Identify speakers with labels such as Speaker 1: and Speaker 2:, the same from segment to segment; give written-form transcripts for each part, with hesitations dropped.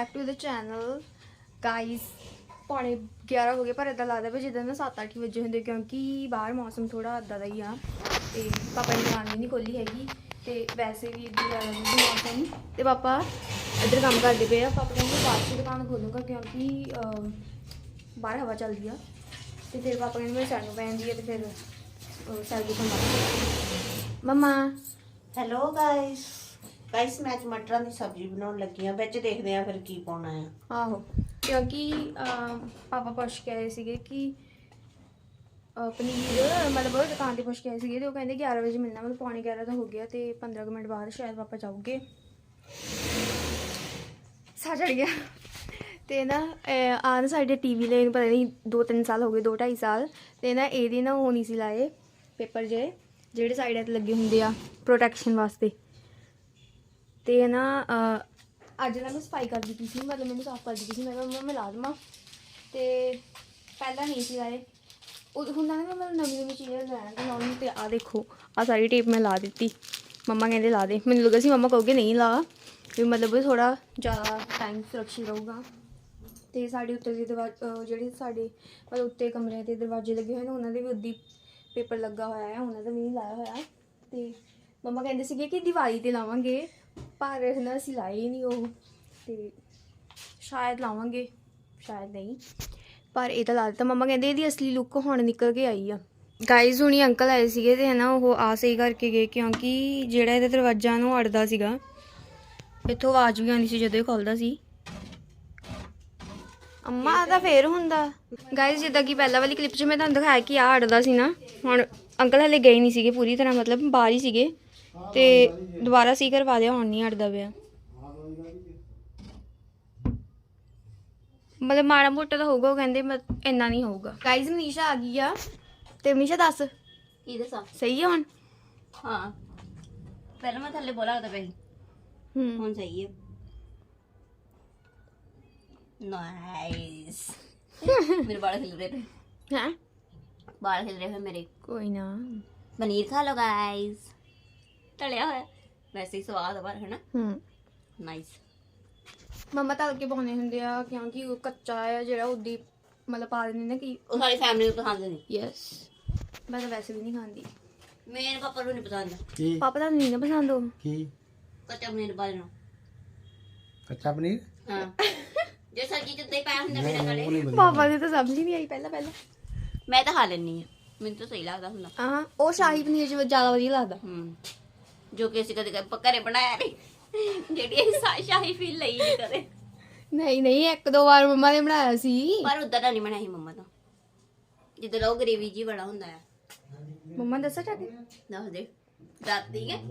Speaker 1: Back to the channel guys. पौने 11 हो गए पर इदा लगता भी जिदा ना 7-8 बजे होंगे क्योंकि बाहर मौसम थोड़ा इदा का ही आ। तो पापा ने दुकान भी नहीं खोली हैगी तो वैसे भी इदा लगा मौसम। तो पापा इधर काम करते पे पापा कहते बाद से दुकान खोलूँगा क्योंकि बाहर हवा चलती है। तो फिर पापा कहते मेरी सैर पैंती है तो फिर सैर दुकान मम्मा
Speaker 2: हेलो गाइस गाइस मैं आज मटरां दी सब्जी बनाउण लगी हां विच देखदे आ फिर की पाउणा है।
Speaker 1: आहो क्योंकि पापा पुछ के आए थे कि पनीर मतलब दुकान पर पुछ के आए थे तो कहते 11 बजे मिलना मतलब पौने 11 तो हो गया तो 15 मिनट बाद शायद पापा जाओगे। सा चढ़ गया तो ना आन साढ़े टीवी ले पता नहीं 2-3 साल हो गए 2-2.5 साल तो ना ये ना वो नहीं सी लाए पेपर जेह्ड़े साइड ते लगे होंगे आ प्रोटैक्शन वास्ते। तो ना अज ना मैं सफाई कर दी थी मतलब मैंने साफ कर दी थी मैं मैं ला देव तो पहला नहीं सी लाए होंगे ना मैं मतलब नवी नवी चीज़ें लैन लानी तो आ देखो आ सारी टेप मैं ला दी। मम्मा कहते ला दे मैंने लगा सी मम्मा कहोगे नहीं ला भी मतलब थोड़ा ज़्यादा टाइम सुरक्षित रहूगा। तो साढ़े उत्ते जो साढ़े मतलब उत्ते कमरे के दरवाजे लगे हुए हैं उन्होंने भी उद्दी पेपर लगा हुआ है उन्होंने भी नहीं लाया होया। तो मम्मा कहते थे कि दिवाली ते लावांगे पर ना असीं लाए ही नहीं वो तो शायद लावांगे शायद नहीं पर ये तो ला दिता। मम्मा कहते ये असली लुक हुण निकल के आई आ। गाइज हुणी अंकल आए थे तो है ना वो आ सही करके गए क्योंकि जिहड़ा इहदा दरवाजा ना अड़दा सीगा इत्थों आवाज़ भी आनी सी जदों खोलदा सी। अम्मा तो फिर हुंदा गाइज जिद्दां कि पहला वाली क्लिप च मैं तुहानूं दिखाया कि आ अड़दा सी ना हुण अंकल हले गए नहीं सीगे पूरी तरह मतलब बाहर ही सीगे ते दोबारा सी करवा दिया हुण नहीं अड़दा पिया मतलब माड़ा मोटा तो होगा कहते इन्ना नहीं होगा। गाइज मनीषा आ गई आ ते मनीषा दस
Speaker 2: की दसा
Speaker 1: सही है हुण।
Speaker 2: हां पहले मैं थल्ले बोला होता पे हुण सही है नाइस। मेरे बाल खिल रहे थे
Speaker 1: हैं
Speaker 2: बाल खिल रहे थे मेरे।
Speaker 1: कोई ना
Speaker 2: पनीर खा लो गाइस तलिया होया वैसे ही स्वाद है है ना नाइस।
Speaker 1: मम्मा तल के पाने हुंदे आ क्योंकि वो कच्चा है जेड़ा उदी मतलब पा देंदे ना कि
Speaker 2: ਉਹ ਸਾਰੀ ਫੈਮਿਲੀ ਨੂੰ ਪਸੰਦ ਨਹੀਂ।
Speaker 1: यस मैं तो वैसे भी नहीं खाती
Speaker 2: ਮੇਰੇ ਪਾਪਾ ਨੂੰ ਨਹੀਂ ਪਸੰਦ
Speaker 1: पापा तो नहीं ना पसंद हो
Speaker 3: ਕੀ
Speaker 2: ਕੱਚਾ ਪਨੀਰ ਬਾਲੇ ਨੂੰ।
Speaker 3: ਕੱਚਾ ਪਨੀਰ
Speaker 2: ਹਾਂ ਜੇ ਸਬਜ਼ੀ ਚ ਉੱਤੇ ਪਾਇਆ ਹੁੰਦਾ ਮੇਰੇ ਨਾਲੇ
Speaker 3: ਉਹ ਨਹੀਂ ਵਧੀਆ
Speaker 1: पापा ने तो समझ ही नहीं आई पहला
Speaker 2: ਮੈਂ ਤਾਂ ਖਾ ਲੈਣੀ ਆ ਮੈਨੂੰ ਤਾਂ ਸਹੀ ਲੱਗਦਾ ਹੁੰਦਾ।
Speaker 1: हाँ वो शाही पनीर च ज्यादा वधिया लगदा।
Speaker 2: ਜੋ ਕਿ ਅਸੀਂ ਕਦੇ ਘਰੇ ਬਣਾਇਆ ਨਹੀਂ ਜਿਹੜੀ ਅਸੀਂ ਸ਼ਾਹੀ ਫੀਲ ਲਈ ਨਹੀਂ ਕਦੇ
Speaker 1: नहीं नहीं एक दो बार मम्मा ने बनाया सी
Speaker 2: ਪਰ ਉਦਾਂ ਦਾ ਨਹੀਂ ਬਣਾਈ ਮੰਮਾ ਤਾਂ ਜਿੱਦਾਂ ਉਹ ਗ੍ਰੇਵੀ ਜੀ ਬੜਾ ਹੁੰਦਾ ਆ।
Speaker 1: मम्मा दसा जाके
Speaker 2: ਦੱਸ ਦੇ ਦਾਦੀ ਹੈ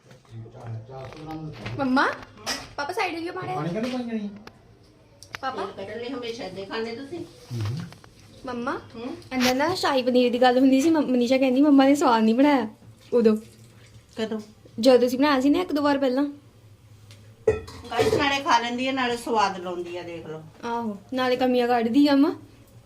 Speaker 1: मम्मा पापा साइड क्यों मारे
Speaker 3: ਪਾਣੀ ਕਿਹਨੂੰ ਪਾਈ ਜਾਣੀ
Speaker 1: पापा
Speaker 2: ਕੱਢ ਲਈ ਹਮੇਸ਼ਾ ਦੇ ਖਾਣੇ ਤੁਸੀਂ।
Speaker 1: मम्मा अंदर ना शाही पनीर की गल हुंदी सी मनीषा कहंदी मम्मा ने स्वाद नहीं बनाया उदो
Speaker 2: ਕਦੋਂ
Speaker 1: जब तुसीं बनाया सी ना एक दो बार पहला
Speaker 2: ਗਾਇਸ ਨਾਲੇ ਖਾ ਲੈਂਦੀ ਹੈ ਨਾਲੇ ਸਵਾਦ ਲਾਉਂਦੀ ਆ ਦੇਖ ਲਓ।
Speaker 1: आहो नाले कमियां कढदी आ अम्मा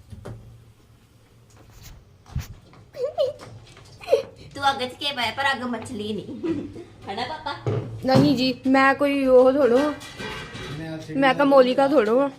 Speaker 2: तू अग के पाया पर अग मछली नहीं है ना पापा।
Speaker 1: नहीं जी मैं कोई वो थोड़ो मैं कमोली का थोड़ो
Speaker 2: हैं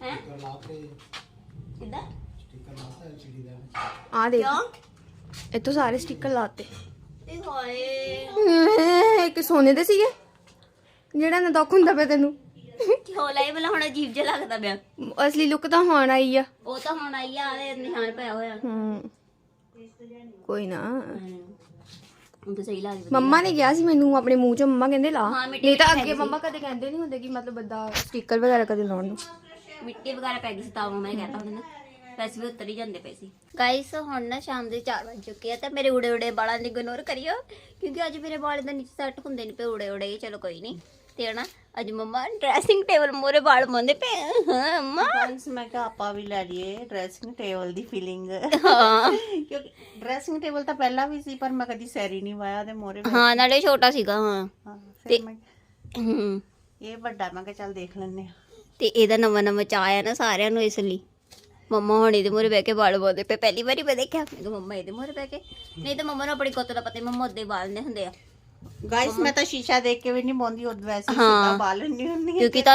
Speaker 3: ਸਟicker
Speaker 2: किदा
Speaker 3: ਲਾਤਾ ਐਲਸੀਡੀ ਦਾ
Speaker 1: आ देख
Speaker 2: क्यों
Speaker 1: इतो सारे स्टिकर लाते
Speaker 2: ते होए
Speaker 1: एक सोने दे सीगे जेड़ा ना दुख हुंदा पे तेनू
Speaker 2: क्यों लाई वाला हुन अजीब जिहा लगदा पिया।
Speaker 1: असली लुक तो हुण आई आ
Speaker 2: ਉਹ ਤਾਂ ਹੁਣ ਆਈ ਆ ਦੇ ਨਿਸ਼ਾਨ ਪਿਆ ਹੋਇਆ
Speaker 1: कोई ना
Speaker 2: ਹੁਣ ਤਾਂ ਸਹੀ ਲੱਗਦਾ।
Speaker 1: ਮੰਮਾ ਨੇ ਕਿਹਾ ਸੀ ਮੈਨੂੰ ਆਪਣੇ ਮੂੰਹ ਚੋਂ ਮੰਮਾ ਕਹਿੰਦੇ ਲਾ
Speaker 2: ਹਾਂ, ਮਿੱਟੀ
Speaker 1: ਨਹੀਂ ਤਾਂ
Speaker 2: ਮਿੱਟੀ
Speaker 1: ਅੱਗੇ
Speaker 2: ਹੈਗੀ
Speaker 1: ਮੰਮਾ ਕਦੇ ਕਹਿੰਦੇ ਨਹੀਂ ਹੁੰਦੇ ਕਿ ਮਤਲਬ ਬੰਦਾ ਸਟicker ਵਗੈਰਾ ਕਦੇ ਲਾਉਣ ਨੂੰ।
Speaker 2: ਮਿੱਟੀ ਵਗੈਰਾ ਪੈ ਗਈ ਸੀ ਤਾਂ ਮੈਂ ਕਹਤਾ ਹੁਣ ਨਾ ਵੈਸੇ ਵੀ ਉੱਤਰ ਹੀ ਜਾਂਦੇ ਪਏ ਸੀ। ਗਾਇਸ ਹੁਣ ਨਾ ਸ਼ਾਮ ਦੇ 4 ਵਜ ਚੁੱਕੇ ਆ ਤੇ ਮੇਰੇ ਉੜੇ ਉੜੇ ਵਾਲਾਂ ਨੂੰ ਇਗਨੋਰ ਕਰਿਓ ਕਿਉਂਕਿ ਅੱਜ ਮੇਰੇ ਵਾਲ ਦਾ ਨੀਚੇ ਸੈੱਟ ਹੁੰਦੇ ਨਹੀਂ ਪਏ ਉੜੇ ਉੜੇ ਚਲੋ ਕੋਈ ਨਹੀਂ। ਤੇ ਨਾ ਅੱਜ ਮੰਮਾ ਡਰੈਸਿੰਗ ਟੇਬਲ ਮੋਰੇ ਵਾਲ ਮੰਦੇ ਪਏ ਹਾਂ ਮੰਮਾ
Speaker 4: ਫਰੈਂਡਸ ਮੈਂ ਕਿਹਾ ਆਪਾਂ ਵੀ ਲੈ ਲਈਏ ਡਰੈਸਿੰਗ ਟੇਬਲ ਦੀ ਫੀਲਿੰਗ
Speaker 2: ਹਾਂ
Speaker 4: ਕਿਉਂਕਿ ਡਰੈਸਿੰਗ ਟੇਬਲ ਤਾਂ ਪਹਿਲਾਂ ਵੀ ਸੀ ਪਰ ਮੈਂ ਕਦੀ ਸੈਰੀ ਨਹੀਂ ਵਾਇਆ ਤੇ ਮੋਰੇ
Speaker 2: ਹਾਂ ਨਾਲੇ ਛੋਟਾ ਸੀਗਾ ਹਾਂ
Speaker 4: ਫਿਰ ਮੈਂ
Speaker 2: ਹੂੰ
Speaker 4: ਇਹ ਵੱਡਾ ਮੈਂ ਕਿਹਾ ਚੱਲ ਦੇਖ ਲੈਣੇ ਆ
Speaker 2: ਤੇ ਇਹਦਾ ਨਵਾਂ ਨਵਾਂ ਚਾਅ ਆਇਆ ਨਾ ਸਾਰਿਆਂ ਨੂੰ ਇਸ ਲਈ ਮੰਮਾ ਹੁਣ ਇਹਦੇ ਮੂਹਰੇ ਬਹਿ ਕੇ ਵਾਲ ਬੋਦੇ ਪਏ ਪਹਿਲੀ ਵਾਰੀ ਮੈਂ ਦੇਖਿਆ ਮੈਂ ਕਿਹਾ ਮੰਮਾ ਇਹਦੇ ਮੂਹਰੇ ਬਹਿ ਕੇ ਨਹੀਂ ਤਾਂ ਮੰਮਾ ਨੂੰ ਆਪਣੀ ਕੁੱਤ ਦਾ ਪਤਾ ਮੰਮਾ ਉਹਦੇ ਵਾਲ ਨੇ ਹੁੰਦੇ ਆ
Speaker 4: ਗਾਇਸ ਮੈਂ ਤਾਂ ਸ਼ੀਸ਼ਾ ਦੇਖ ਕੇ ਵੀ ਨਹੀਂ ਬੋਂਦੀ ਉਹ ਵੈਸੇ ਸਿੱਧਾ ਬਾਲ ਨਹੀਂ ਹੁੰਦੀ
Speaker 2: ਕਿਉਂਕਿ ਤੁਹਾਨੂੰ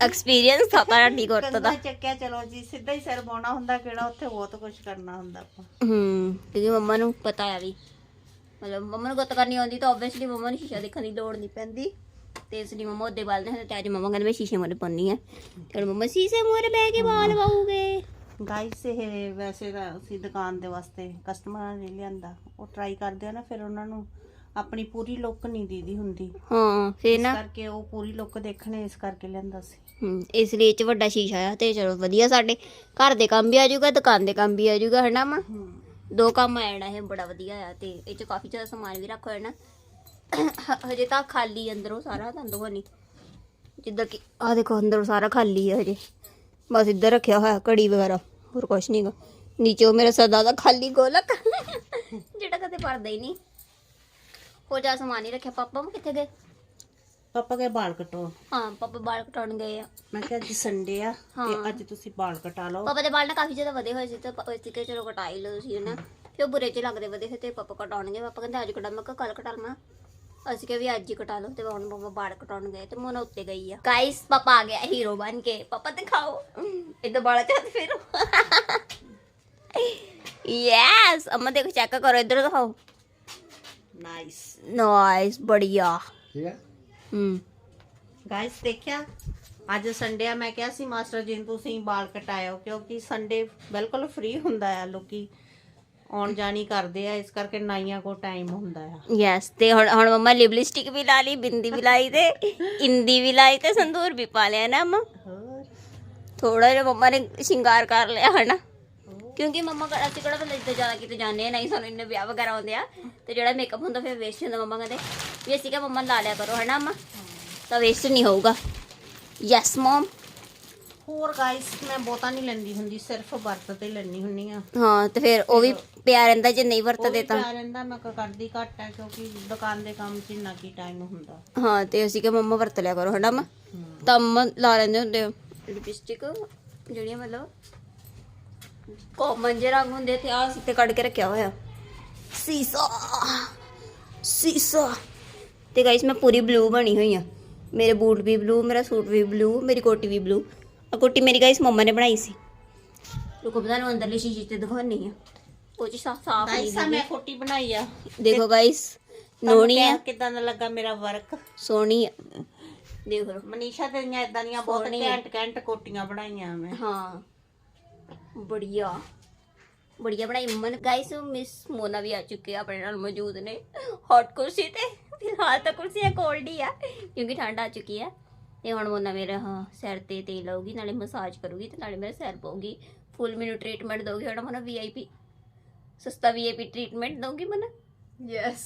Speaker 2: ਐਕਸਪੀਰੀਅੰਸ ਥਾ ਤੁਹਾਡੀ ਗੁੱਤ ਦਾ।
Speaker 4: ਕੰਧਾ ਚੱਕਿਆ ਚਲੋ ਜੀ, ਸਿੱਧਾ ਹੀ ਸਿਰ ਪਾਉਣਾ ਹੁੰਦਾ, ਕਿਹੜਾ ਉੱਥੇ ਬਹੁਤ ਕੁਝ ਕਰਨਾ ਹੁੰਦਾ ਆਪਾਂ।
Speaker 2: ਕਿਉਂਕਿ ਮੰਮਾ ਨੂੰ ਪਤਾ ਆ ਵੀ ਮਤਲਬ ਮੰਮਾ ਨੂੰ ਗੁੱਤ ਕਰਨੀ ਆਉਂਦੀ ਤਾਂ ਆਬਵੀਅਸਲੀ ਮੰਮਾ ਨੂੰ ਸ਼ੀਸ਼ਾ ਦੇਖਣ ਦੀ ਲੋੜ ਨਹੀਂ ਪੈਂਦੀ, ਤੇ ਇਸ ਲਈ ਮੰਮਾ ਉਹਦੇ ਬਾਲ ਨੇ, ਤੇ ਅੱਜ ਮੰਮਾ ਕਹਿੰਦੇ ਮੈਂ ਸ਼ੀਸ਼ੇ ਮੂਹਰੇ ਪਾਉਂਦੀ ਆ, ਤੇ ਮੰਮਾ ਸ਼ੀਸ਼ੇ ਮੂਹਰੇ ਬਹਿ ਕੇ ਬਾਲ ਵਾਉਗੇ।
Speaker 4: ਗਾਈਸ ਇਹ ਵੈਸੇ ਤਾਂ ਅਸੀਂ ਦੁਕਾਨ ਦੇ ਵਾਸਤੇ ਕਸਟਮਰਾਂ ਨੇ ਲਿਆਂਦਾ, ਉਹ ਟਰਾਈ ਕਰਦੇ ਆ ਨਾ, ਫਿਰ ਉਹਨਾਂ ਨੂੰ ਆਪਣੀ ਪੂਰੀ ਲੁੱਕ ਨਹੀਂ ਦੀਦੀ ਹੁੰਦੀ,
Speaker 2: ਹਾਂ ਫੇਰ
Speaker 4: ਇਸ
Speaker 2: ਨਾ
Speaker 4: ਕਰਕੇ ਉਹ ਪੂਰੀ ਲੁੱਕ ਦੇਖਣੇ, ਇਸ ਕਰਕੇ ਲਿਆਂਦਾ ਸੀ।
Speaker 2: ਇਸ ਲਈ ਇਹ 'ਚ ਵੱਡਾ ਸ਼ੀਸ਼ਾ ਆ, ਤੇ ਚਲੋ ਵਧੀਆ, ਸਾਡੇ ਘਰ ਦੇ ਕੰਮ ਵੀ ਆ ਜਾਊਗਾ, ਦੁਕਾਨ ਦੇ ਕੰਮ ਵੀ ਆ ਜਾਊਗਾ, ਹਨਾ ਮਾਂ? ਦੋ ਕੰਮ ਆ ਜਾਣਾ, ਇਹ ਬੜਾ ਵਧੀਆ ਆ। ਤੇ ਇਹ 'ਚ ਕਾਫੀ ਜ਼ਿਆਦਾ ਸਮਾਨ ਵੀ ਰੱਖ ਹੋਇਆ ਨਾ। ਹਜੇ ਤਾਂ ਖਾਲੀ ਅੰਦਰੋਂ ਸਾਰਾ, ਅੰਦਰੋਂ ਨਹੀਂ, ਜਿੱਦਾਂ ਕਿ ਆਹ ਦੇਖੋ ਅੰਦਰੋਂ ਸਾਰਾ ਖਾਲੀ ਆ ਹਜੇ, ਬਸ ਇੱਧਰ ਰੱਖਿਆ ਹੋਇਆ ਘੜੀ ਵਗੈਰਾ, ਹੋਰ ਕੁਛ ਨਹੀਂ ਗਾ। ਨੀਚੇ ਉਹ ਮੇਰਾ ਸਦਾ ਦਾ ਖਾਲੀ ਗੋਲਕ ਜਿਹੜਾ ਕਦੇ ਭਰਦਾ ਹੀ ਨਹੀਂ। ਹੋਰ ਜ਼ਿਆਦਾ ਸਮਾਨ ਨਹੀਂ ਰੱਖਿਆ। ਪਾਪਾ ਕਿੱਥੇ ਗਏ?
Speaker 4: ਪਾਪਾ ਕੇ ਬਾਲ ਕਟਾਉਣ।
Speaker 2: ਹਾਂ ਪਾਪਾ ਬਾਲ ਕਟਾਉਣ ਗਏ ਆ।
Speaker 4: ਮੈਂ ਕਿਹਾ ਅੱਜ ਸੰਡੇ ਆ, ਤੇ ਅੱਜ ਤੁਸੀਂ ਬਾਲ ਕਟਾ ਲਓ।
Speaker 2: ਪਾਪਾ ਦੇ ਬਾਲ ਨਾ ਕਾਫੀ ਜ਼ਿਆਦਾ ਵਧੇ ਹੋਏ ਸੀ, ਤਾਂ ਅਸੀਂ ਕਿ ਚਲੋ ਕਟਾ ਹੀ ਲਓ ਤੁਸੀਂ, ਹਨਾ? ਫਿਰ ਉਹ ਬੁਰੇ 'ਚ ਲੱਗਦੇ ਵਧੇ ਹੋਏ, ਤੇ ਪਾਪਾ ਕਟਾਉਣਗੇ। ਪਾਪਾ ਕਹਿੰਦੇ ਅੱਜ ਕਟਾ, ਮੈਂ ਕਿਹਾ ਕੱਲ ਕਟਾ ਲਵਾਂ। ਅਸੀਂ ਕਿਹਾ ਵੀ ਅੱਜ ਹੀ ਕਟਾ ਲਓ, ਤੇ ਹੁਣ ਪਾਪਾ ਬਾਲ ਕਟਾਉਣ ਗਏ, ਤੇ ਮੋਨਾ ਉੱਤੇ ਗਈ ਆ। ਗਾਇਸ ਪਾਪਾ ਆ ਗਿਆ ਹੀਰੋ ਬਣ ਕੇ। ਪਾਪਾ ਦਿਖਾਓ ਇਦਾਂ ਬਾਲਾਂ 'ਚ ਹੱਥ ਫੇਰੋ। ਯੈਸ ਅਮਾ ਦੇਖੋ, ਚੈੱਕ ਕਰੋ, ਇੱਧਰ ਦਿਖਾਓ।
Speaker 4: ਨਾਈਸ
Speaker 2: ਨਾਈਸ, ਬੜੀਆ।
Speaker 3: ठीक है।
Speaker 4: ਗਾਇਸ ਦੇਖਿਆ, ਅੱਜ ਸੰਡੇ ਆ, ਮੈਂ ਕਿਹਾ ਸੀ ਮਾਸਟਰ ਜੀ ਨੂੰ ਤੁਸੀਂ ਬਾਲ ਕਟਾਇਓ, ਕਿਉਂਕਿ ਸੰਡੇ ਬਿਲਕੁਲ ਫ੍ਰੀ ਹੁੰਦਾ ਆ, ਲੋਕੀ ਆਉਣ ਜਾਣੀ ਕਰਦੇ ਆ, ਇਸ ਕਰਕੇ ਨਾਈਆਂ ਕੋ ਟਾਈਮ ਹੁੰਦਾ ਆ।
Speaker 2: ਯੈਸ, ਤੇ ਹੁਣ ਮੰਮਾ ਲਿਪਸਟਿਕ ਵੀ ਲਾ ਲਈ, ਬਿੰਦੀ ਵੀ ਲਾਈ, ਤੇ ਇੰਦੀ ਵੀ ਲਾਈ, ਤੇ ਸੰਦੂਰ ਵੀ ਪਾ ਲਿਆ ਨਾ ਮੰਮਾ।
Speaker 4: ਹੋਰ
Speaker 2: ਥੋੜਾ ਜਿਹਾ ਮੰਮਾ ਨੇ ਸ਼ਿੰਗਾਰ ਕਰ ਲਿਆ, ਹਨਾ? ਕਿਉਂਕਿ ਮੰਮਾ ਅਸੀਂ ਕਿਹੜਾ ਬੰਦੇ ਜਿੱਦਾਂ ਜ਼ਿਆਦਾ ਕਿਤੇ ਜਾਂਦੇ ਆ, ਨਹੀਂ ਸਾਨੂੰ ਇੰਨੇ ਵਿਆਹ ਵਗੈਰਾ ਆਉਂਦੇ ਆ, ਤੇ ਜਿਹੜਾ ਮੇਕਅਪ ਹੁੰਦਾ ਫਿਰ ਵੇਸਟ ਹੁੰਦਾ। ਮੰਮਾ ਕਹਿੰਦੇ ਵੀ ਅਸੀਂ ਕਿਹਾ ਮੰਮਾ ਲਾ ਲਿਆ ਕਰੋ, ਹਨਾ ਮੰਮਾ? ਤਾਂ ਵੇਸਟ ਨਹੀਂ ਹੋਊਗਾ। Yes mum.
Speaker 4: ਹੋਰ ਗਾਇਸ ਮੈਂ ਬਹੁਤਾ ਨਹੀਂ ਲੈਂਦੀ ਹੁੰਦੀ, ਸਿਰਫ ਵਰਤ ਤੇ ਲੈਣੀ ਹੁੰਨੀ ਆ।
Speaker 2: ਹਾਂ, ਤੇ ਫਿਰ ਉਹ ਵੀ ਪਿਆ ਰਹਿੰਦਾ ਜੇ ਨਹੀਂ ਵਰਤਦੇ ਤਾਂ।
Speaker 4: ਪਿਆ ਰਹਿੰਦਾ, ਮੈਂ ਕਰਦੀ ਘੱਟ ਹੈ, ਕਿਉਂਕਿ ਦੁਕਾਨ ਦੇ ਕੰਮ 'ਚ ਇੰਨਾ ਕੀ ਟਾਈਮ ਹੁੰਦਾ।
Speaker 2: ਹਾਂ, ਤੇ ਅਸੀਂ ਕਿਹਾ ਮੰਮਾ ਵਰਤ ਲਿਆ ਕਰੋ, ਹਨਾ ਮੰਮਾ? ਤਾਂ ਮੰਮਾ ਲਾ ਲੈਂਦੇ ਹੁੰਦੇ ਲਿਪਸਟਿਕ, ਜਿਹੜੀਆਂ ਮਤਲਬ ਕਾਮਨ ਜਿਹੇ ਰੰਗ ਹੁੰਦੇ, ਤੇ ਆਹ ਅਸੀਂ ਤੇ ਕੱਢ ਕੇ ਰੱਖਿਆ ਹੋਇਆ ਸੀਸਾ। ਤੇ ਗਾਇਸ ਮੈਂ ਪੂਰੀ ਬਲੂ ਬਣੀ ਹੋਈ ਆ, ਮੇਰੇ ਬੂਟ ਵੀ ਬਲੂ, ਮੇਰਾ ਸੂਟ ਵੀ ਬਲੂ, ਮੇਰੀ ਕੋਟੀ ਵੀ ਬਲੂ। ਆ ਕੋਟੀ ਮੇਰੀ ਗਾਇਸ ਮੰਮਾ ਨੇ ਬਣਾਈ ਸੀ। ਰੁਕੋ ਪਤਾ ਨੂੰ ਅੰਦਰਲੀ ਸ਼ੀਸ਼ੇ ਤੇ ਦਿਖਾਉਣੀ ਆ, ਉਹ ਚ ਸਾਫ
Speaker 4: ਗਾਇਸ ਆ ਮੈਂ ਕੋਟੀ ਬਣਾਈ ਆ,
Speaker 2: ਦੇਖੋ ਗਾਇਸ, ਨੋਣੀ ਆ,
Speaker 4: ਕਿਦਾਂ ਦਾ ਲੱਗਾ ਮੇਰਾ ਵਰਕ?
Speaker 2: ਸੋਹਣੀ ਆ, ਦੇਖੋ।
Speaker 4: ਮਨੀਸ਼ਾ ਤੇਰੀਆਂ ਇਦਾਂ ਦੀਆਂ ਬਹੁਤ ਘੈਂਟ ਕੋਟੀਆਂ ਬਣਾਈਆਂ ਮੈਂ।
Speaker 2: ਹਾਂ ਬੜੀਆ ਬਣਾਈ ਮੰਮਾ ਨੇ। ਗਾਇਸ ਮਿਸ ਮੋਨਾ ਵੀ ਆ ਚੁੱਕੇ ਆ, ਆਪਣੇ ਨਾਲ ਮੌਜੂਦ ਨੇ ਹੌਟ ਕੁਰਸੀ ਤੇ। ਫਿਲਹਾਲ ਤਾਂ ਕੁਰਸੀ ਕੋਲਡ ਹੀ ਆ, ਕਿਉਂਕਿ ਠੰਡ ਆ ਚੁੱਕੀ ਆ। ਤੇ ਹੁਣ ਮੋਨਾ ਮੇਰਾ ਸਿਰ ਤੇ ਤੇਲ ਲਾਉਗੀ, ਨਾਲੇ ਮਸਾਜ ਕਰੂਗੀ, ਤੇ ਨਾਲੇ ਮੇਰਾ ਸਿਰ ਪਾਉਗੀ, ਫੁੱਲ ਮੈਨੂੰ ਟ੍ਰੀਟਮੈਂਟ ਦਊਗੀ। ਹੁਣ ਮੋਨਾ VIP ਸਸਤਾ VIP ਟ੍ਰੀਟਮੈਂਟ ਦਊਗੀ ਮੋਨਾ।
Speaker 1: ਯੈਸ।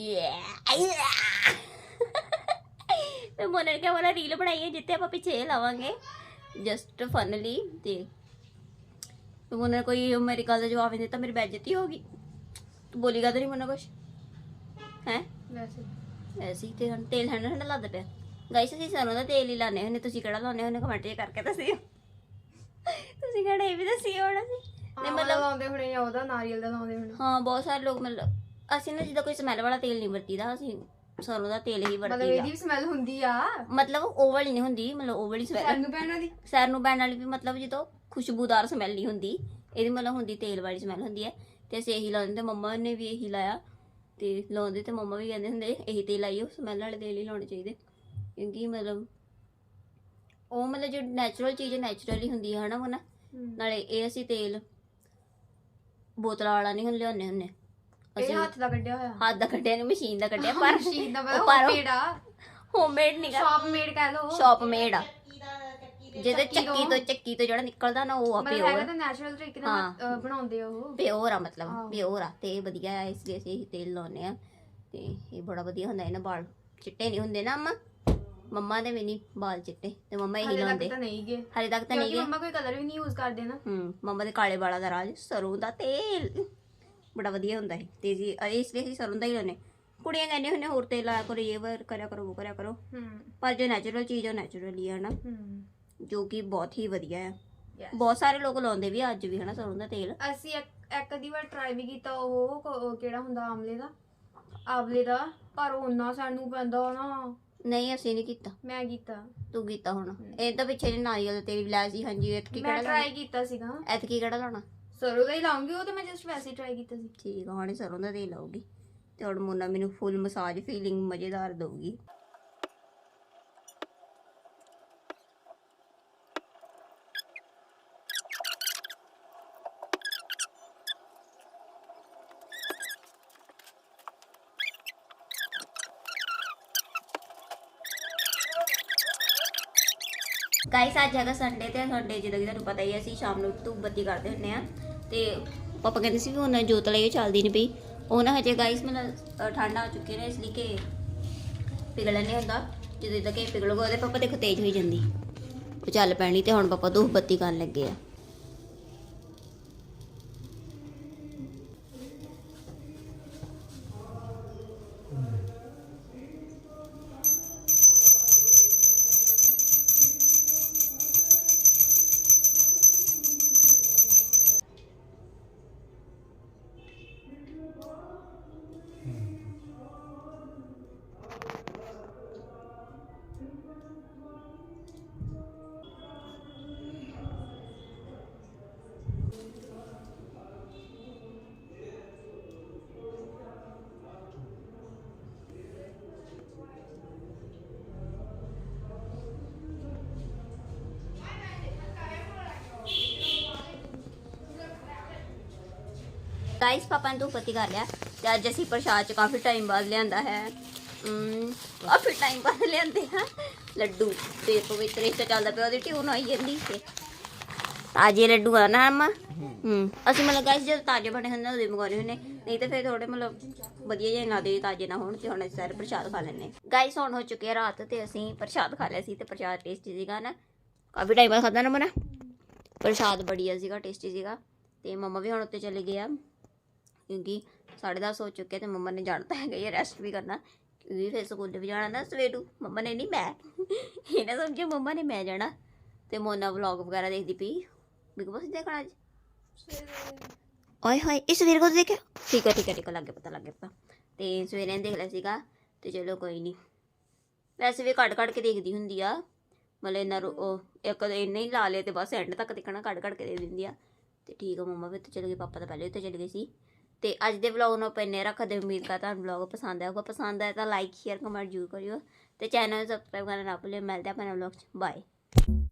Speaker 2: ਤੇ ਮੋਨਾ ਨੇ ਕਿਹਾ ਮੋਨਾ ਰੀਲ ਬਣਾਈ ਹੈ ਜਿੱਤੇ ਆਪਾਂ ਪਿੱਛੇ ਲਾਵਾਂਗੇ ਜਸਟ ਫਨਲੀ। ਤੇ ਮੋਨਾ ਕੋਈ ਮੇਰੀ ਗੱਲ ਦਾ ਜਵਾਬ ਨਹੀਂ ਦਿੱਤਾ, ਮੇਰੀ ਬੇਇੱਜ਼ਤੀ ਹੋ ਗਈ। ਤੂੰ ਬੋਲੀਗਾ ਤਾਂ ਨਹੀਂ ਮੋਨਾ ਕੁਛ ਹੈ? ਵੈਸੇ ਤੇ ਹੁਣ ਤੇਲ ਠੰਡਾ ਲੱਗਦਾ ਪਿਆ। ਗਾਇਸ ਅਸੀਂ ਸਰੋਂ ਦਾ ਤੇਲ ਹੀ ਲਾਉਂਦੇ ਹੁੰਦੇ, ਤੁਸੀਂ ਕਿਹੜਾ ਲਾਉਂਦੇ ਹੁੰਦੇ ਕਮੈਂਟ 'ਚ ਕਰਕੇ ਦੱਸਿਓ। ਤੁਸੀਂ ਕਿਹੜਾ ਇਹ ਵੀ ਦੱਸਿਓ ਹੋਣਾ ਸੀ।
Speaker 1: ਤੇ ਮਤਲਬ ਲਾਉਂਦੇ ਹੁਣੇ ਜਾਂ ਉਹਦਾ ਨਾਰੀਅਲ ਦਾ ਲਾਉਂਦੇ ਹੁਣੇ।
Speaker 2: ਹਾਂ ਬਹੁਤ ਸਾਰੇ ਲੋਕ ਮਤਲਬ ਅਸੀਂ ਨਾ ਜਿੱਦਾਂ ਕੋਈ ਸਮੈਲ ਵਾਲਾ ਤੇਲ ਨਹੀਂ ਵਰਤੀਦਾ, ਅਸੀਂ ਸਰੋਂ ਦਾ ਤੇਲ ਹੀ
Speaker 1: ਮਤਲਬ
Speaker 2: ਵਰਤੀਦਾ।
Speaker 1: ਇਹਦੀ ਵੀ ਸਮੈਲ ਹੁੰਦੀ ਆ,
Speaker 2: ਮਤਲਬ ਉਹ ਵਾਲੀ ਨਹੀਂ ਹੁੰਦੀ, ਮਤਲਬ ਉਹ ਵਾਲੀ ਸਮੈਲ
Speaker 1: ਸਾਨੂੰ ਪੈਣਾ ਦੀ
Speaker 2: ਸੈਰ ਨੂੰ ਪੈਣ ਵਾਲੀ ਵੀ, ਮਤਲਬ ਜਦੋਂ ਖੁਸ਼ਬੂਦਾਰ ਸਮੈਲ ਨਹੀਂ ਹੁੰਦੀ, ਇਹਦੀ ਮਤਲਬ ਹੁੰਦੀ ਤੇਲ ਵਾਲੀ ਸਮੈਲ ਹੁੰਦੀ ਹੈ। ਤੇ ਅਸੀਂ ਇਹੀ ਲਾਉਂਦੇ, ਤੇ ਮੰਮਾ ਨੇ ਵੀ ਇਹੀ ਲਾਇਆ, ਤੇ ਲਾਉਂਦੇ, ਤੇ ਮੰਮਾ ਵੀ ਕਹਿੰਦੇ ਹੁੰਦੇ ਇਹੀ ਤੇਲ ਲਾਈਓ, ਸਮੈਲ ਵਾਲੇ ਤੇਲ ਹੀ ਲਾਉਣੇ ਚਾਹੀਦੇ, ਕਿਉਂਕਿ ਮਤਲਬ ਉਹ ਮਤਲਬ ਜੋ ਨੈਚੁਰਲ ਚੀਜ਼ ਨੈਚੁਰਲੀ ਹੁੰਦੀ ਹੈ, ਹਨਾ ਮੋਨਾ? ਨਾਲੇ ਇਹ ਅਸੀਂ ਤੇਲ ਬੋਤਲਾਂ ਵਾਲਾ ਨਹੀਂ ਹੁਣ ਲਿਆਉਂਦੇ ਹੁੰਦੇ,
Speaker 1: ਇਹ ਹੱਥ ਦਾ ਕੱਢਿਆ ਹੋਇਆ,
Speaker 2: ਹੱਥ ਦਾ ਕੱਢਿਆ, ਨਹੀਂ ਮਸ਼ੀਨ ਦਾ ਕੱਢਿਆ, ਪਰ
Speaker 1: ਮਸ਼ੀਨ ਦਾ ਹੋਮਮੇਡ ਆ,
Speaker 2: ਹੋਮਮੇਡ ਨਹੀਂ ਗਾ,
Speaker 1: ਸ਼ਾਪ ਮੇਡ ਕਹਿ ਲਓ,
Speaker 2: ਸ਼ਾਪ ਮੇਡ ਆ। ਜਿਹਦੇ ਚੱਕੀ ਤੋਂ ਜਿਹੜਾ ਨਿਕਲਦਾ ਨਾ, ਉਹ ਆ
Speaker 1: ਮਤਲਬ ਹੈਗਾ ਤਾਂ ਨੈਚੁਰਲ ਤਰੀਕੇ ਨਾਲ ਬਣਾਉਂਦੇ ਆ ਉਹ,
Speaker 2: ਪਿਓਰ ਆ, ਮਤਲਬ ਪਿਓਰ ਆ, ਤੇ ਵਧੀਆ ਆ, ਇਸ ਲਈ ਅਸੀਂ ਇਹ ਤੇਲ ਲਾਉਂਦੇ ਆ, ਤੇ ਇਹ ਬੜਾ ਵਧੀਆ ਹੁੰਦਾ। ਇਹਨਾਂ ਵਾਲ ਚਿੱਟੇ ਨਹੀਂ ਹੁੰਦੇ ਨਾ ਮੰਮਾ ਦੇ ਵੀ ਨਹੀਂ ਵਾਲ ਚਿੱਟੇ, ਤੇ ਮੰਮਾ ਇਹੀ ਲਾਉਂਦੇ। ਹਾਲੇ ਤੱਕ ਤਾਂ ਨਹੀਂ ਗਏ,
Speaker 1: ਮੰਮਾ ਕੋਈ ਕਲਰ ਵੀ ਨਹੀਂ ਯੂਜ਼ ਕਰਦੇ ਨਾ।
Speaker 2: ਮੰਮਾ ਦੇ ਕਾਲੇ ਵਾਲਾਂ ਦਾ ਰਾਜ ਸਰੋਂ ਦਾ ਤੇਲ ਬੜਾ ਵਧੀਆ ਹੁੰਦਾ ਹੈ, ਤੇ ਜੀ ਇਸ ਲਈ ਅਸੀਂ ਸਰੋਂ ਦਾ ਹੀ ਲਾਉਂਦੇ। ਕੁੜੀਆਂ ਕਹਿੰਦੀਆਂ ਹੁੰਦੀਆਂ ਹੋਰ ਤੇਲ ਲਾਇਆ ਕਰੋ, ਇਹ ਕਰਿਆ ਕਰੋ, ਉਹ ਕਰਿਆ ਕਰੋ, ਪਰ ਜੋ ਨੈਚੁਰਲ ਚੀਜ਼ ਉਹ ਨੈਚੁਰਲੀ ਹੈ ਨਾ, ਜੋ ਕਿ ਬਹੁਤ ਹੀ ਵਧੀਆ ਹੈ। ਬਹੁਤ ਸਾਰੇ ਲੋਕ ਲਾਉਂਦੇ ਵੀ ਅੱਜ ਵੀ, ਹਨਾ, ਸਰੋਂ ਦਾ ਤੇਲ।
Speaker 1: ਅਸੀਂ ਇੱਕ ਅੱਧੀ ਵਾਰ ਟਰਾਈ ਵੀ ਕੀਤਾ, ਉਹ ਕਿਹੜਾ ਹੁੰਦਾ ਆਮਲੇ ਦਾ, ਪਰ ਉਹਨਾਂ ਸਾਨੂੰ ਪੈਂਦਾ ਨਾ,
Speaker 2: ਨਹੀਂ ਅਸੀਂ ਨਹੀਂ ਕੀਤਾ,
Speaker 1: ਮੈਂ ਕੀਤਾ।
Speaker 2: ਤੂੰ ਕੀਤਾ ਹੁਣ। ਇਹ ਤਾਂ ਪਿੱਛੇ ਜਿਹੇ ਨਾਰੀਅਲ ਦਾ ਤੇਲ ਵੀ ਲਾਇਆ ਸੀ। ਹਾਂਜੀ ਐਤਕੀ
Speaker 1: ਮੈਂ
Speaker 2: ਕਿਹੜਾ
Speaker 1: ਟਰਾਈ
Speaker 2: ਲਾਉਣਾ?
Speaker 1: ਕੀਤਾ ਸੀਗਾ।
Speaker 2: ਐਤਕੀ ਕਿਹੜਾ ਲਾਉਣਾ?
Speaker 1: ਸਰੋਂ ਦਾ ਹੀ ਲਾਉਂਗੀ, ਉਹ ਤਾਂ ਮੈਂ ਜਸਟ ਵੈਸੇ ਹੀ ਟਰਾਈ ਕੀਤਾ ਸੀ।
Speaker 2: ਠੀਕ ਆ, ਹੁਣ ਇਹ ਸਰੋਂ ਦਾ ਤੇਲ ਲਾਉਗੀ ਤੇ ਹੁਣ ਮੋਨਾ ਮੈਨੂੰ ਫੁੱਲ ਮਸਾਜ ਫੀਲਿੰਗ ਮਜ਼ੇਦਾਰ ਦਊਗੀ। ਗਾਇਸ ਅੱਜ ਹੈਗਾ ਸੰਡੇ ਤੇ ਸੰਡੇ ਜਿੱਦਾਂ ਕਿ ਤੁਹਾਨੂੰ ਪਤਾ ਹੀ ਹੈ ਅਸੀਂ ਸ਼ਾਮ ਨੂੰ ਧੂਪ ਬੱਤੀ ਕਰਦੇ ਹੁੰਦੇ ਆ ਤੇ ਪਾਪਾ ਕਹਿੰਦੇ ਸੀ ਵੀ ਉਹਨਾਂ ਜੋਤ ਲਈ ਚੱਲਦੀ ਨਹੀਂ ਪਈ। ਉਹ ਨਾ ਹਜੇ ਗਾਇਸ ਮੈਨੂੰ ਠੰਡ ਆ ਚੁੱਕੀ ਨੇ ਇਸ ਲਈ ਕਿ ਪਿਘਲਣ ਨਹੀਂ ਹੁੰਦਾ। ਜਦੋਂ ਇਦਾਂ ਕਿ ਪਿਘਲੂਗਾ ਉਹਦੇ ਪਾਪਾ ਦੇਖੋ ਤੇਜ਼ ਹੋਈ ਜਾਂਦੀ, ਉਹ ਚੱਲ ਪੈਣੀ ਤੇ ਹੁਣ ਪਾਪਾ ਧੂਪ ਬੱਤੀ ਕਰਨ ਲੱਗੇ ਆ। ਗਾਇਸ ਪਾਪਾ ਨੇ ਧੂਪ ਬੱਤੀ ਕਰ ਲਿਆ ਤੇ ਅੱਜ ਅਸੀਂ ਪ੍ਰਸ਼ਾਦ ਚ ਕਾਫੀ ਟਾਈਮ ਬਾਅਦ ਲਿਆਂਦਾ ਹੈ। ਕਾਫੀ ਟਾਈਮ ਬਾਅਦ ਲਿਆਂਦੇ ਆ ਲੱਡੂ ਤੇ ਪਵਿੱਤਰ ਇਸ ਚੱਲਦਾ ਪਿਆ, ਉਹਦੀ ਟਿਊਨ ਆਈ ਜਾਂਦੀ ਤੇ ਤਾਜ਼ੇ ਲੱਡੂ ਆ ਨਾ ਅਮਾ। ਅਸੀਂ ਮਤਲਬ ਗਾਇਸ ਜਦੋਂ ਤਾਜ਼ੇ ਬਣੇ ਹੁੰਦੇ ਉਹਦੇ ਮੰਗਵਾਉਣੇ ਹੁੰਦੇ, ਨਹੀਂ ਤਾਂ ਫਿਰ ਥੋੜੇ ਮਤਲਬ ਵਧੀਆ ਜਿਹੇ ਨਾ ਦੇ ਤਾਜ਼ੇ ਨਾ ਹੋਣ। ਤੇ ਹੁਣ ਅਸੀਂ ਸਾਰੇ ਪ੍ਰਸ਼ਾਦ ਖਾ ਲੈਂਦੇ ਗਾਇਸ। ਹੁਣ ਹੋ ਚੁੱਕੀ ਹੈ ਰਾਤ ਤੇ ਅਸੀਂ ਪ੍ਰਸ਼ਾਦ ਖਾ ਲਿਆ ਸੀ ਤੇ ਪ੍ਰਸ਼ਾਦ ਟੇਸਟੀ ਸੀਗਾ ਨਾ, ਕਾਫੀ ਟਾਈਮ ਬਾਅਦ ਖਾਧਾ ਨਾ ਮਨਾ। ਪ੍ਰਸ਼ਾਦ ਬੜੀਆ ਸੀਗਾ, ਟੇਸਟੀ ਸੀਗਾ। ਤੇ ਮੰਮਾ ਵੀ ਹੁਣ ਉੱਤੇ ਚਲੇ ਗਏ ਆ ਕਿਉਂਕਿ 10:30 ਹੋ ਚੁੱਕੇ ਤੇ ਮੰਮਾ ਨੇ ਜਾਣਾ ਤਾਂ ਹੈਗਾ ਹੀ ਰੈਸਟ ਵੀ ਕਰਨਾ ਕਿਉਂਕਿ ਫਿਰ ਸਕੂਲ ਵੀ ਜਾਣਾ ਨਾ ਸਵੇਰੂ। ਮੰਮਾ ਨੇ ਨਹੀਂ ਮੈਂ ਇਹ ਨਾ ਸਮਝਿਓ ਮੰਮਾ ਨੇ ਮੈਂ ਜਾਣਾ। ਤੇ ਮੋਨਾ ਵਲੌਗ ਵਗੈਰਾ ਦੇਖਦੀ ਪਈ। ਬਿਗ ਬੋਸ ਦੇਖਣਾ ਅੱਜ ਓਏ ਹੋਏ ਇਸ ਸਵੇਰ ਕੋ ਦੇਖਿਆ? ਠੀਕ ਹੈ ਲੱਗ ਗਿਆ ਪਤਾ ਤੇ ਸਵੇਰੇ ਦੇਖ ਲਿਆ ਸੀਗਾ ਤੇ ਚਲੋ ਕੋਈ ਨਹੀਂ। ਵੈਸੇ ਵੀ ਕੱਢ ਕੇ ਦੇਖਦੀ ਹੁੰਦੀ ਆ, ਮਤਲਬ ਇਹਨਾਂ ਉਹ ਇੱਕ ਇੰਨੇ ਹੀ ਲਾ ਲਿਆ ਤੇ ਬਸ ਐਂਡ ਤੱਕ ਦੇਖਣਾ ਕੱਢ ਕੇ ਦੇ ਦਿੰਦੀ ਆ। ਤੇ ਠੀਕ ਆ ਮੰਮਾ ਵੀ ਉੱਤੇ ਚਲੇ ਗਏ, ਪਾਪਾ ਤਾਂ ਪਹਿਲੇ ਉੱਤੇ ਚਲੇ ਗਏ ਸੀ। ਤੇ ਅੱਜ ਦੇ ਵਲੌਗ ਨੂੰ ਆਪਾਂ ਇੰਨੇ ਰੱਖਦੇ। ਉਮੀਦ ਕਰਦਾ ਤੁਹਾਨੂੰ ਵਲੌਗ ਪਸੰਦ ਆਊਗਾ। ਪਸੰਦ ਆਇਆ ਤਾਂ ਲਾਈਕ ਸ਼ੇਅਰ ਕਮੈਂਟ ਜ਼ਰੂਰ ਕਰਿਓ ਤੇ ਚੈਨਲ ਨੂੰ ਸਬਸਕ੍ਰਾਈਬ ਕਰਨਾ ਨਾ ਭੁੱਲਿਓ। ਮਿਲਦੇ ਆਪਾਂ ਨਵੇਂ ਵਲੌਗ 'ਚ, ਬਾਏ।